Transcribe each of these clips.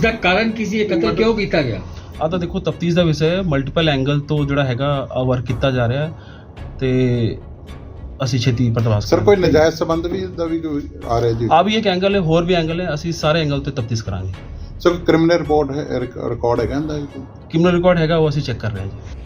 इसका कारण किसी कत्ल क्यों किया गया? ਆ ਤਾਂ ਦੇਖੋ ਤਫਤੀਸ਼ ਦਾ ਵਿਸ਼ਾ ਹੈ। ਮਲਟੀਪਲ ਐਂਗਲ ਤੋਂ ਜਿਹੜਾ ਹੈਗਾ ਵਰਕ ਕੀਤਾ ਜਾ ਰਿਹਾ ਹੈ ਤੇ ਅਸੀਂ ਛੇਤੀ ਪਰਦਾਸ ਸਰ ਕੋਈ ਨਜਾਇਜ਼ ਸੰਬੰਧ ਵੀ ਦਾ ਵੀ ਕੋਈ ਆ ਰਿਹਾ ਜੀ? ਆ ਵੀ ਇੱਕ ਐਂਗਲ ਹੈ, ਹੋਰ ਵੀ ਐਂਗਲ ਹੈ। ਅਸੀਂ ਸਾਰੇ ਐਂਗਲ ਤੇ ਤਫਤੀਸ਼ ਕਰਾਂਗੇ। ਸਰ ਕ੍ਰਿਮੀਨਲ ਰਿਪੋਰਟ ਹੈ, ਰਿਕਾਰਡ ਹੈਗਾ ਇਹਦਾ? ਕ੍ਰਿਮੀਨਲ ਰਿਕਾਰਡ ਹੈਗਾ, ਉਹ ਅਸੀਂ ਚੈੱਕ ਕਰ ਰਹੇ ਹਾਂ ਜੀ।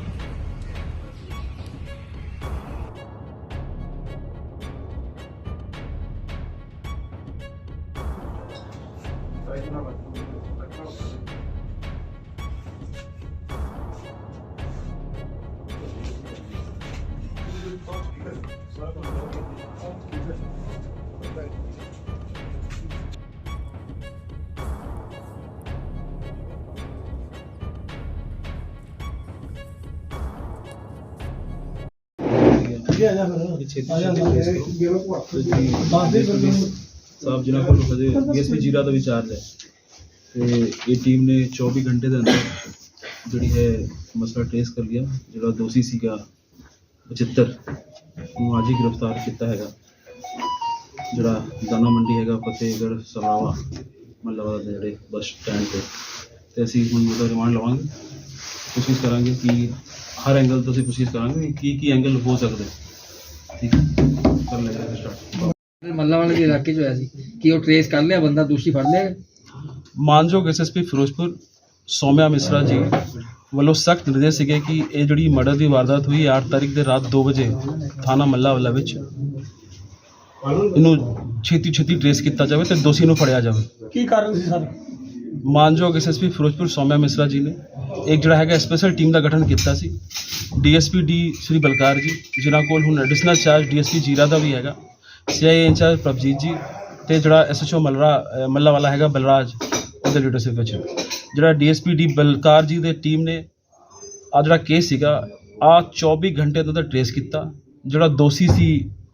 ਸਾਹਿਬ ਜਿਨ੍ਹਾਂ ਕੋਲ ਹਜੇ ਡੀਐਸਪੀ ਜੀਰਾ ਦਾ ਵੀ ਚਾਰਜ ਹੈ ਤੇ ਇਹ ਟੀਮ ਨੇ 24 ਘੰਟੇ ਦੇ ਅੰਦਰ ਜਿਹੜੀ ਹੈ ਮਸਲਾ ਟ੍ਰੇਸ ਕਰ ਲਿਆ। ਜਿਹੜਾ ਦੋਸ਼ੀ ਸੀਗਾ 75 ਨੂੰ ਅੱਜ ਹੀ ਗ੍ਰਿਫਤਾਰ ਕੀਤਾ ਹੈਗਾ। ਜਿਹੜਾ ਦਾਣਾ ਮੰਡੀ ਹੈਗਾ ਫਤਿਹਗੜ੍ਹ ਸਰਾਵਾ ਮੱਲਾਵਾਲਾ ਦੇ ਜਿਹੜੇ ਬੱਸ ਸਟੈਂਡ ਤੇ ਅਸੀਂ ਹੁਣ ਉਹਦਾ ਰਿਮਾਂਡ ਲਵਾਂਗੇ। ਕੋਸ਼ਿਸ਼ ਕਰਾਂਗੇ ਕਿ ਹਰ ਐਂਗਲ ਤੋਂ ਅਸੀਂ ਕੋਸ਼ਿਸ਼ ਕਰਾਂਗੇ ਕੀ ਐਂਗਲ ਹੋ ਸਕਦੇ। ਠੀਕ ਹੈ, ਕਰ ਲੈਂਦੇ ਸਟਾਰਟ। ਮੱਲਾਵਾਲਾ ਦੇ ਇਲਾਕੇ 'ਚ ਹੋਇਆ ਸੀ ਕਿ ਉਹ ਟ੍ਰੇਸ ਕਰ ਲਿਆ, ਬੰਦਾ ਦੋਸ਼ੀ ਫੜ ਲਿਆ? ਮਾਨਯੋਗ ਐਸਐਸਪੀ ਫਿਰੋਜ਼ਪੁਰ ਸੌਮਿਆ ਮਿਸਰਾ ਜੀ ਵੱਲੋਂ ਸਖਤ ਨਿਰਦੇਸ਼ ਸੀਗੇ ਕਿ ਇਹ ਜਿਹੜੀ ਮਰਡਰ ਦੀ ਵਾਰਦਾਤ ਹੋਈ 8 ਤਾਰੀਖ ਦੇ ਰਾਤ 2 ਵਜੇ ਥਾਣਾ ਮੱਲਾਵਾਲਾ ਵਿੱਚ, ਇਹਨੂੰ ਛੇਤੀ ਟ੍ਰੇਸ ਕੀਤਾ ਜਾਵੇ ਤੇ ਦੋਸ਼ੀ ਨੂੰ ਫੜਿਆ ਜਾਵੇ। ਕੀ ਕਾਰਨ ਸੀ ਸਰ? ਮਾਨਯੋਗ ਐਸਐਸਪੀ ਫਿਰੋਜ਼ਪੁਰ ਸੌਮਿਆ ਮਿਸਰਾ ਜੀ ਨੇ ਇੱਕ ਜਿਹੜਾ ਹੈਗਾ ਸਪੈਸ਼ਲ ਟੀਮ ਦਾ ਗਠਨ ਕੀਤਾ ਸੀ। ਡੀਐਸਪੀ ਡੀ ਸ਼੍ਰੀ ਬਲਕਾਰ ਜੀ, ਜਿਨ੍ਹਾਂ ਕੋਲ ਹੁਣ ਐਡੀਸ਼ਨਲ ਚਾਰਜ ਡੀਐਸਪੀ ਜੀਰਾ ਦਾ ਵੀ ਹੈਗਾ, ਸੀਆਈਏ ਇੰਚਾਰਜ ਪ੍ਰਭਜੀਤ ਜੀ ਤੇ ਜਿਹੜਾ ਐਸਐਚਓ ਮੱਲਾਵਾਲਾ ਹੈਗਾ ਬਲਰਾਜ, ਉਹਦੇ ਲੀਡਰਸ਼ਿਪ ਵਿੱਚ ਜਿਹੜਾ ਡੀਐਸਪੀ ਡੀ ਬਲਕਾਰ ਜੀ ਦੇ ਟੀਮ ਨੇ ਆ ਜਿਹੜਾ ਕੇਸ ਸੀਗਾ 24 ਘੰਟੇ ਤੋਂ ਟ੍ਰੇਸ ਕੀਤਾ। ਜਿਹੜਾ ਦੋਸ਼ੀ ਸੀ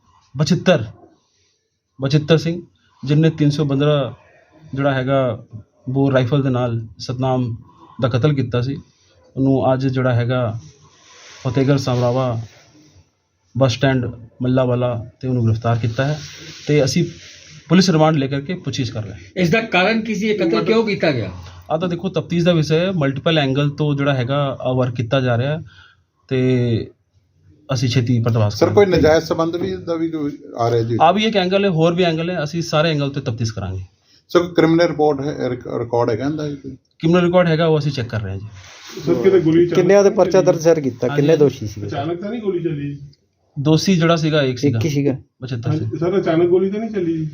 72 ਸਿੰਘ, ਜਿਹਨੇ 315 ਜਿਹੜਾ ਹੈਗਾ ਬੋਰ ਰਾਈਫਲ ਦੇ ਨਾਲ ਸਤਨਾਮ ਦਾ ਕਤਲ ਕੀਤਾ ਸੀ, ਉਹਨੂੰ ਅੱਜ ਜਿਹੜਾ ਹੈਗਾ ਫਤਿਹਗੜ੍ਹ ਸਰਾਵਾ ਬੱਸ ਸਟੈਂਡ ਮੱਲਾਵਾਲਾ ਤੇ ਉਹਨੂੰ ਗ੍ਰਿਫਤਾਰ ਕੀਤਾ ਹੈ ਤੇ ਅਸੀਂ ਪੁਲਿਸ ਰਿਮਾਂਡ ਲੈ ਕਰਕੇ ਪੁੱਛਿਸ਼ ਕਰ ਰਹੇ ਹਾਂ। इसका कारण किसी कत्ल क्यों किया गया? ਆ ਤਾਂ ਦੇਖੋ ਤਫਤੀਸ਼ ਦਾ ਵਿਸ਼ਾ ਹੈ। ਮਲਟੀਪਲ ਐਂਗਲ ਤੋਂ ਜਿਹੜਾ ਹੈਗਾ ਵਰਕ ਕੀਤਾ ਜਾ ਰਿਹਾ ਹੈ ਤੇ ਅਸੀਂ ਛੇਤੀ ਪਰਦਾਸ ਸਰ ਕੋਈ ਨਜਾਇਜ਼ ਸੰਬੰਧ ਵੀ ਦਾ ਵੀ ਕੋਈ ਆ ਰਿਹਾ ਜੀ? ਆ ਵੀ ਇੱਕ ਐਂਗਲ ਹੈ, ਹੋਰ ਵੀ ਐਂਗਲ ਹੈ। ਅਸੀਂ ਸਾਰੇ ਐਂਗਲ ਤੇ ਤਫਤੀਸ਼ ਕਰਾਂਗੇ। ਸਰ ਕ੍ਰਿਮੀਨਲ ਰਿਪੋਰਟ ਹੈ, ਰਿਕਾਰਡ ਹੈਗਾ ਇਹਦਾ? ਕ੍ਰਿਮੀਨਲ ਰਿਕਾਰਡ ਹੈਗਾ, ਉਹ ਅਸੀਂ ਚੈੱਕ ਕਰ ਰਹੇ ਹਾਂ ਜੀ। ਸਰ ਕਿਤੇ ਗੋਲੀ ਕਿੰਨਿਆਂ ਦੇ ਪਰਚਾ ਦਰਜ ਸਰ ਕੀਤਾ? ਕਿੰਨੇ ਦੋਸ਼ੀ ਸੀ? ਅਚਾਨਕ ਤਾਂ ਨਹੀਂ ਗੋਲੀ ਚੱਲੀ? ਦੋਸ਼ੀ ਜਿਹੜਾ ਸੀਗਾ ਇੱਕ ਸੀਗਾ, ਇੱਕ ਹੀ ਸੀਗਾ। 75 ਸੀ। ਸਰ ਅਚਾਨਕ ਗੋਲੀ ਤਾਂ ਨਹੀਂ ਚੱਲੀ?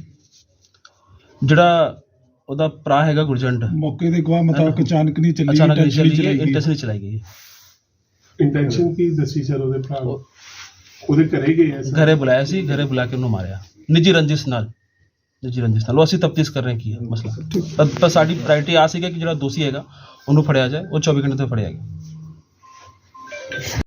ਜਿਹੜਾ ਉਹਦਾ ਭਰਾ ਹੈਗਾ ਗੁਰਜੰਟ, ਮੌਕੇ ਦੇ ਗਵਾਹ ਮੁਤਾਬਕ ਅਚਾਨਕ ਨਹੀਂ ਚੱਲੀ, ਅਚਾਨਕ ਨਹੀਂ ਚੱਲੀ, ਚਲਾਈ ਗਈ। ਇੰਟੈਂਸ਼ਨਲੀ ਚਲਾਈ ਗਈ ਹੈ। ਇੰਟੈਂਸ਼ਨ ਕੀ ਦੱਸੀ ਸਰ ਉਹਦੇ ਭਰਾ ਨੂੰ? ਉਹਦੇ ਘਰੇ ਗਏ ਆ ਸਰ? ਘਰੇ ਬੁਲਾਇਆ ਸੀ, ਘਰੇ ਬੁਲਾ ਕੇ ਉਹਨੂੰ ਮਾਰਿਆ ਨਿੱਜੀ ਰੰਜਿਸ਼ ਨਾਲ। ਉਹ ਅਸੀਂ ਤਫਤੀਸ਼ ਕਰ ਰਹੇ ਕੀ ਹੈ ਮਸਲਾ। ਤਾਂ ਸਾਡੀ ਪ੍ਰਾਇਰਟੀ ਆ ਸੀਗਾ ਕਿ ਜਿਹੜਾ ਦੋਸ਼ੀ ਹੈਗਾ ਉਹਨੂੰ ਫੜਿਆ ਜਾਏ, ਉਹ 24 ਘੰਟੇ ਤੋਂ ਫੜਿਆ ਗਿਆ।